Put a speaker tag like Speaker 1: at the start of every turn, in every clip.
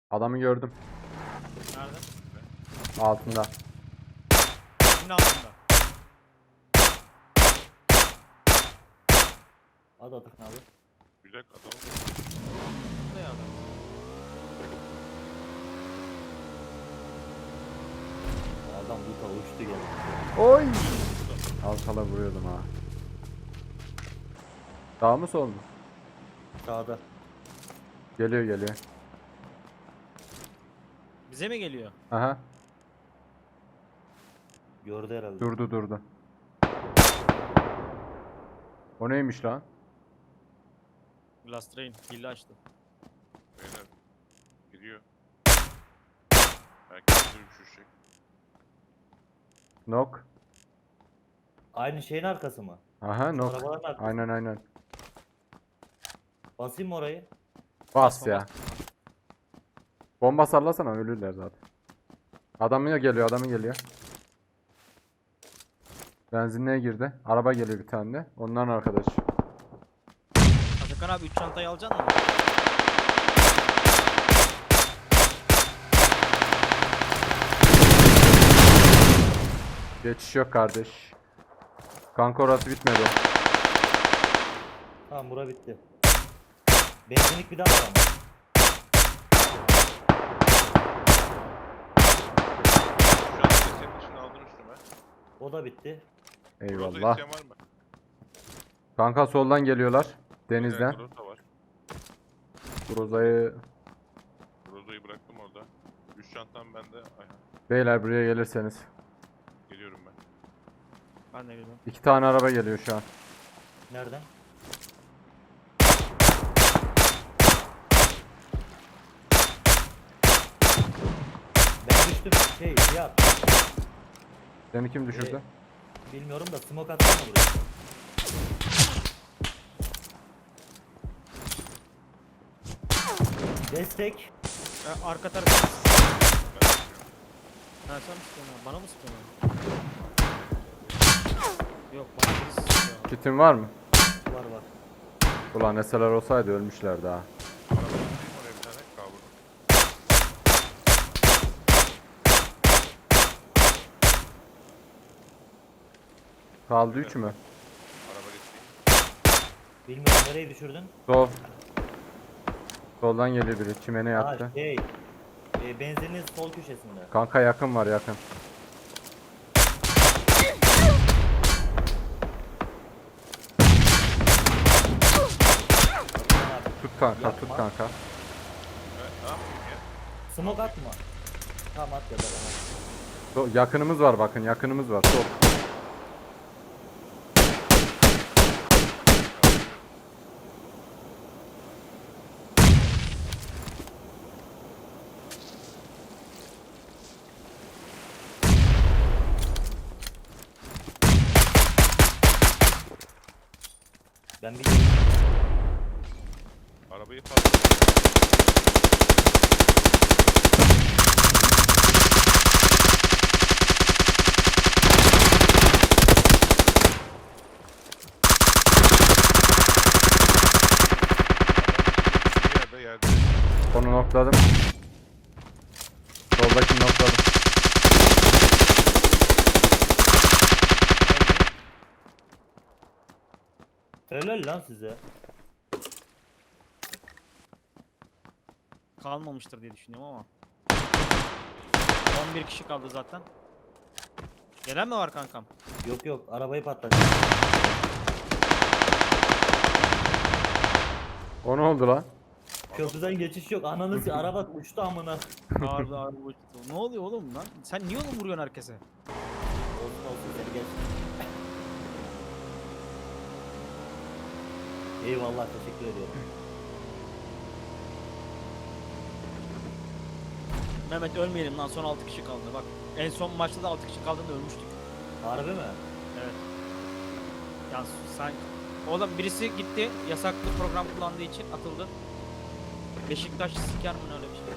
Speaker 1: Adamı gördüm.
Speaker 2: Nerede?
Speaker 1: Altında.
Speaker 2: Kimin altında?
Speaker 3: Hadi Atakan abi.
Speaker 4: Bir dakika adamı
Speaker 2: Burada ya adam.
Speaker 3: Adam bu tava uçtu geldi.
Speaker 1: Oy! Alkala vuruyordum ha. Sağ mı sol mu?
Speaker 3: Sağda.
Speaker 1: Geliyor geliyor.
Speaker 2: Bize mi geliyor?
Speaker 1: Aha.
Speaker 3: Gördü herhalde.
Speaker 1: Durdu. O neymiş lan?
Speaker 2: Glass Train. Hile açtı.
Speaker 4: beyler gidiyor. Belki bizi düşürecek.
Speaker 1: Nok.
Speaker 3: Aynı şeyin arkası mı?
Speaker 1: Aha nok.
Speaker 3: Arabaların arkası.
Speaker 1: Aynen.
Speaker 3: Basayım mı orayı?
Speaker 1: Bas ya. Bomba sallasana ölürler zaten. Adamı geliyor. Benzinliğe girdi. Araba geliyor bir tane de. Onların arkadaşı.
Speaker 2: Atakan abi 3 çantayı alacaksın mı?
Speaker 1: Geçiş yok kardeş. Kanka orası bitmedi.
Speaker 3: Tamam bura bitti. Benzinlik bir daha var ama.
Speaker 4: Şu an senin için aldım üstüme.
Speaker 3: O da bitti.
Speaker 4: Burada
Speaker 1: Eyvallah.
Speaker 4: isteyen var mı?
Speaker 1: Kanka soldan geliyorlar. Denizden.
Speaker 4: Groza var.
Speaker 1: Groza'yı...
Speaker 4: Groza'yı bıraktım orada. 3 çantam bende. Aynen.
Speaker 1: Beyler buraya gelirseniz.
Speaker 4: Geliyorum ben.
Speaker 2: Ben de geliyorum.
Speaker 1: 2 tane araba geliyor şu an.
Speaker 3: Nereden? Ben düştüm. Ya
Speaker 1: Seni kim düşürdü?
Speaker 3: bilmiyorum da smoke atsana buraya. Destek.
Speaker 2: Arka tarafı. Ha sen mi sıkıyorsun abi? Bana mı sıkıyorsun abi? Yok bana birisi sıkıyor.
Speaker 1: Kitin var mı?
Speaker 3: Var.
Speaker 1: Ulan eseler olsaydı ölmüşler daha.
Speaker 4: Araba tutayım oraya bir tane. Kavurdum.
Speaker 1: Kaldı 3 mü?
Speaker 4: Araba getireyim.
Speaker 3: Bilmiyorum nereye düşürdün?
Speaker 1: Sol. Soldan geliyor biri. Çimene yattı.
Speaker 3: Ha benzinin sol köşesinde.
Speaker 1: Kanka yakın var yakın. Tut kanka
Speaker 3: Yapma.
Speaker 1: tut kanka.
Speaker 4: Ne yapayım ya?
Speaker 3: Smoke atma. Tamam at ya da bana.
Speaker 1: Yakınımız var bakın yakınımız var. Sol.
Speaker 3: Ben bir
Speaker 4: Arabayı patlattım. Yerde.
Speaker 1: Onu nokladım. Soldakini nokladım.
Speaker 3: helal lan size.
Speaker 2: Kalmamıştır diye düşünüyorum ama. 11 kişi kaldı zaten. Gelen mi var kankam?
Speaker 3: Yok arabayı patlat.
Speaker 1: O ne oldu lan?
Speaker 3: Köprüden geçiş yok. Ananı araba uçtu amına.
Speaker 2: Ağırlı uçtu. Ne oluyor oğlum lan? Sen niye oğlum vuruyorsun herkese?
Speaker 3: Olsun seni geç. Eyvallah teşekkür ediyorum.
Speaker 2: Mehmet ölmeyelim lan son 6 kişi kaldı bak. En son maçta da 6 kişi kaldığında ölmüştük.
Speaker 3: Harbi mi?
Speaker 2: Evet. Ya sen oğlum birisi gitti yasaklı program kullandığı için atıldı. Beşiktaş siker mi öyle bir şey?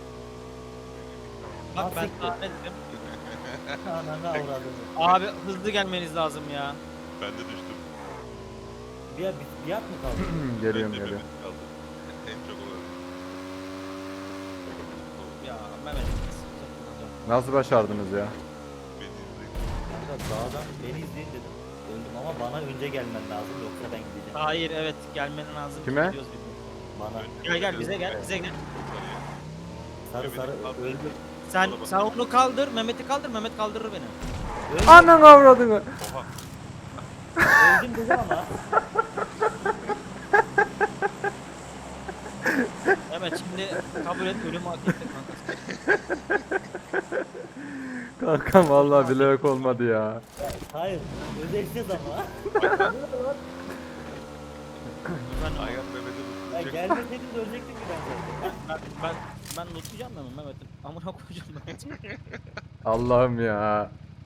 Speaker 2: Bak ben
Speaker 3: Siktir.
Speaker 2: sana ne dedim?
Speaker 3: Ananı avradım.
Speaker 2: Abi hızlı gelmeniz lazım ya.
Speaker 4: Ben de düştüm.
Speaker 3: Bir at mı kaldı?
Speaker 1: Geliyorum
Speaker 4: Ben de
Speaker 1: geliyorum.
Speaker 4: Mehmet kaldı. En çok olarak.
Speaker 2: Mehmet.
Speaker 1: Nasıl başardınız ya?
Speaker 4: Beni izleyin.
Speaker 3: Kanka dağdan beni izleyin dedim. Öldüm ama bana önce gelmen lazım yoksa ben gideceğim.
Speaker 2: Hayır evet gelmen lazım.
Speaker 1: Kime?
Speaker 2: Gidiyoruz biz.
Speaker 3: Bana.
Speaker 2: Gel bize gel bize gel.
Speaker 3: Sarı sarı öldüm.
Speaker 2: Sen onu kaldır, Mehmet'i kaldır, Mehmet kaldırır beni.
Speaker 3: Öldüm,
Speaker 1: Anan avradını.
Speaker 4: Oha.
Speaker 3: öldüm dedim ama.
Speaker 2: Evet şimdi kabul et ölümü hak ettik kanka.
Speaker 1: Kankam vallahi bilerek olmadı ya.
Speaker 3: Hayır. Ödeşeceğiz ama.
Speaker 4: Ayhan Mehmet'e
Speaker 3: Ya
Speaker 4: tutulacak.
Speaker 3: gelmeseydiniz ölecektim ki ben zaten.
Speaker 2: Ben lootlayacağım mı Mehmet'im? Amına koyacağım Mehmet'i.
Speaker 1: Allah'ım ya.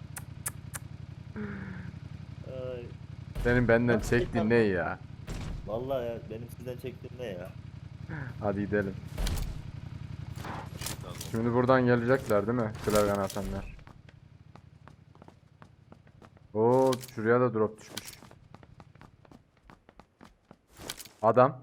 Speaker 3: Ay.
Speaker 1: Senin benden
Speaker 3: Nasıl
Speaker 1: çektiğin ne ya?
Speaker 3: Vallahi ya benim sizden çektiğim ne ya?
Speaker 1: Hadi gidelim.
Speaker 4: Şey lazım.
Speaker 1: Şimdi buradan gelecekler değil mi? Klavyen atanlar. Oo, şuraya da drop düşmüş. Adam.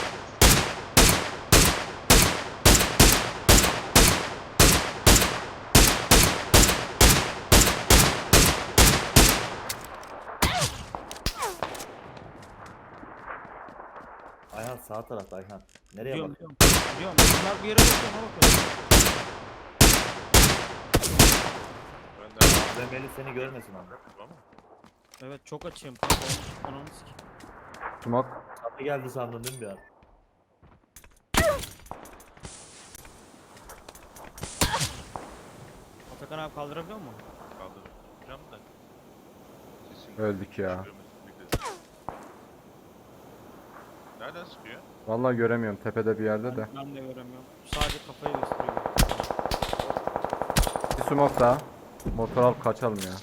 Speaker 3: Ayhan sağ tarafta Ayhan. Nereye
Speaker 2: Biliyorum
Speaker 3: bak?
Speaker 2: biliyorum. Bunlar bir yere bakıyor ona bakıyor.
Speaker 4: Ben de
Speaker 3: Melih seni görmesin abi.
Speaker 4: ama
Speaker 2: Evet çok açığım kanka. Ananı sikeyim.
Speaker 1: Smoke.
Speaker 3: Kapı geldi sandın değil mi bir an?
Speaker 2: Atakan abi kaldırabiliyor mu?
Speaker 4: kaldıracağım da. Sesin
Speaker 1: Öldük ya.
Speaker 4: çıkıyor mesela. Nereden sıkıyor?
Speaker 1: Vallahi göremiyorum tepede bir yerde de.
Speaker 2: Ben de göremiyorum. Sadece kafayı gösteriyor.
Speaker 1: Bir smoke daha. Motor alıp kaçalım ya.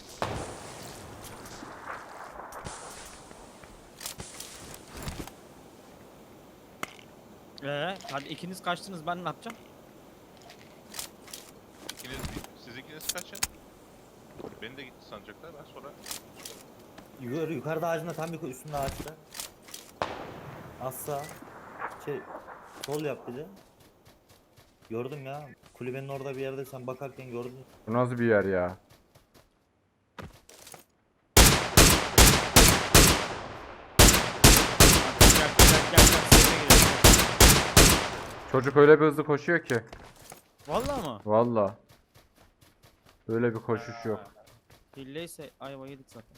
Speaker 2: Hadi ikiniz kaçtınız ben ne yapacağım?
Speaker 4: Siz ikiniz kaçın. Beni de gitti sanacaklar. Ben sonra
Speaker 3: Yukarıda ağacında tam bir üstünde ağaçta. Az sağ. Sol yap bir de. Gördüm ya. Kulübenin orada bir yerde sen bakarken gördüm.
Speaker 1: Bu nasıl bir yer ya?
Speaker 2: Gel. Seyfe girelim.
Speaker 1: Çocuk öyle bir hızlı koşuyor ki.
Speaker 2: Vallahi mı?
Speaker 1: Vallahi. Böyle bir koşuş yok.
Speaker 2: Hilleyse ayva yedik zaten.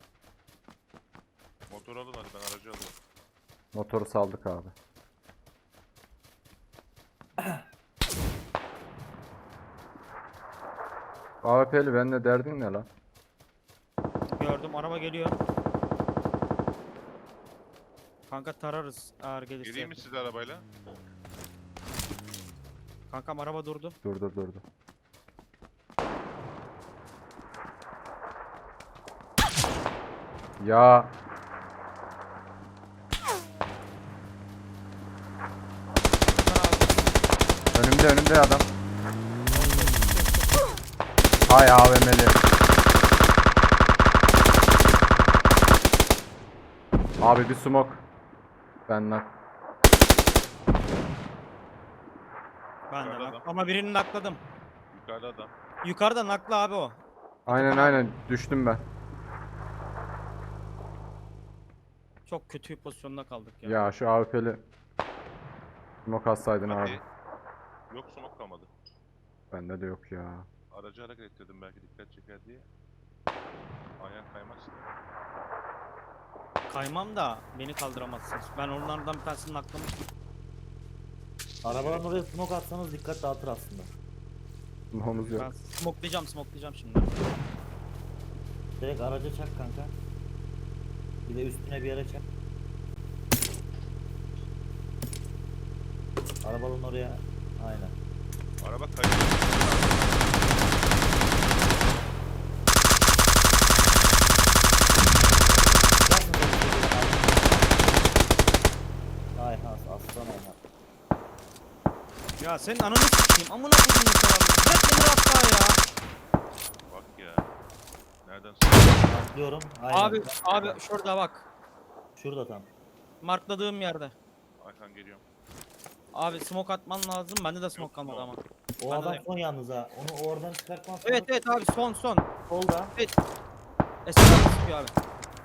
Speaker 4: motor alın hadi ben aracı alayım.
Speaker 1: Motoru saldık abi. AWP'li benimle derdin ne lan?
Speaker 2: Gördüm araba geliyor. Kanka tararız eğer gelirse.
Speaker 4: Geleyim mi size arabayla?
Speaker 2: Kankam araba durdu.
Speaker 1: Durdu. Ya önümde adam. Hay AVM'li. Abi bir smoke. Benden.
Speaker 2: Ben de
Speaker 4: Yukarıda
Speaker 2: nak.
Speaker 4: adam.
Speaker 2: Ama birini nakladım.
Speaker 4: Yukarıda adam.
Speaker 2: Yukarıda nakla abi o.
Speaker 1: Aynen düştüm ben.
Speaker 2: Çok kötü bir pozisyonda kaldık ya.
Speaker 1: Ya şu AWP'li smoke atsaydın
Speaker 4: Hadi.
Speaker 1: abi.
Speaker 4: Yok smoke kalmadı.
Speaker 1: Bende de yok ya.
Speaker 4: Aracı hareket ettirdim belki dikkat çeker diye. Ayağın kaymazsın.
Speaker 2: Kaymam da beni kaldıramazsınız. Ben onlardan bir tanesini naklamıştım.
Speaker 3: Arabadan oraya smoke atsanız dikkat dağıtır aslında.
Speaker 1: Smoke'umuz yok.
Speaker 2: Ben smokelayacağım şimdi.
Speaker 3: Direkt araca çak kanka. Bir de üstüne bir yere çak. Arabanın oraya. Aynen.
Speaker 4: Araba kayıyor.
Speaker 3: Ayhan aslan Ayhan.
Speaker 2: Ya senin ananı sikeyim. Amına koyayım sana. Bırak beni rahat ya.
Speaker 4: Bak ya. Nereden sıkıyor?
Speaker 3: Atlıyorum. Aynen.
Speaker 2: Abi şurada bak.
Speaker 3: Şurada tam.
Speaker 2: Markladığım yerde.
Speaker 4: Ayhan geliyorum.
Speaker 2: Abi smoke atman lazım. Bende de smoke kalmadı ama.
Speaker 3: O
Speaker 2: Bana
Speaker 3: adam
Speaker 2: da-
Speaker 3: son yalnız ha. Onu oradan çıkartmaz.
Speaker 2: Evet evet abi son.
Speaker 3: Solda.
Speaker 2: Esra sıkıyor abi.
Speaker 4: Abi.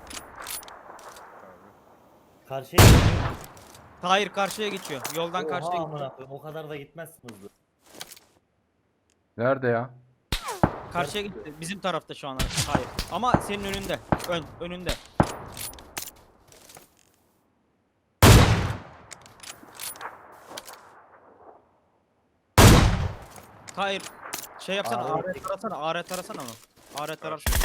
Speaker 3: Karşıya gidiyor.
Speaker 2: Tahir karşıya geçiyor. Yoldan
Speaker 3: Oha
Speaker 2: karşıya
Speaker 3: amına
Speaker 2: geçiyor.
Speaker 3: koyayım. O kadar da gitmezsin hızlı.
Speaker 1: Nerede ya?
Speaker 2: Karşıya gitti. Bizim tarafta şu an Tahir. Ama senin önünde. Önünde. Tahir şey yapsana.
Speaker 3: Abi.
Speaker 2: AR tarasana. AR tarasana mı? AR tarar.
Speaker 4: Karşı.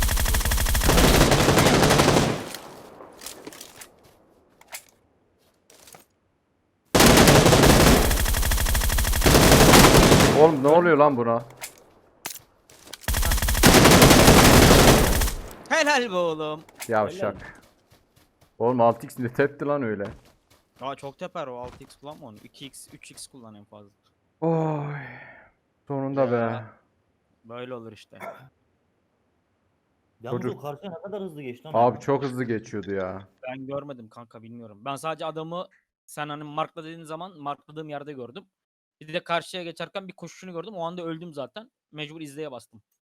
Speaker 1: Oğlum ne oluyor lan buna?
Speaker 2: Helal be oğlum.
Speaker 1: Yavşak. Oğlum 6x ne tepti lan öyle?
Speaker 2: Aa çok teper o 6x kullanma onu. 2x 3x kullan en fazla.
Speaker 1: Oy. Sonunda be.
Speaker 2: Ya. Böyle olur işte.
Speaker 3: Yalnız
Speaker 1: Çocuk-
Speaker 3: o karşıya ne kadar hızlı geçti lan.
Speaker 1: Abi çok hızlı geçiyordu ya.
Speaker 2: Ben görmedim kanka bilmiyorum. Ben sadece adamı sen hani markla dediğin zaman markladığım yerde gördüm. Bir de karşıya geçerken bir koşuşunu gördüm. O anda öldüm zaten. Mecbur izleye bastım.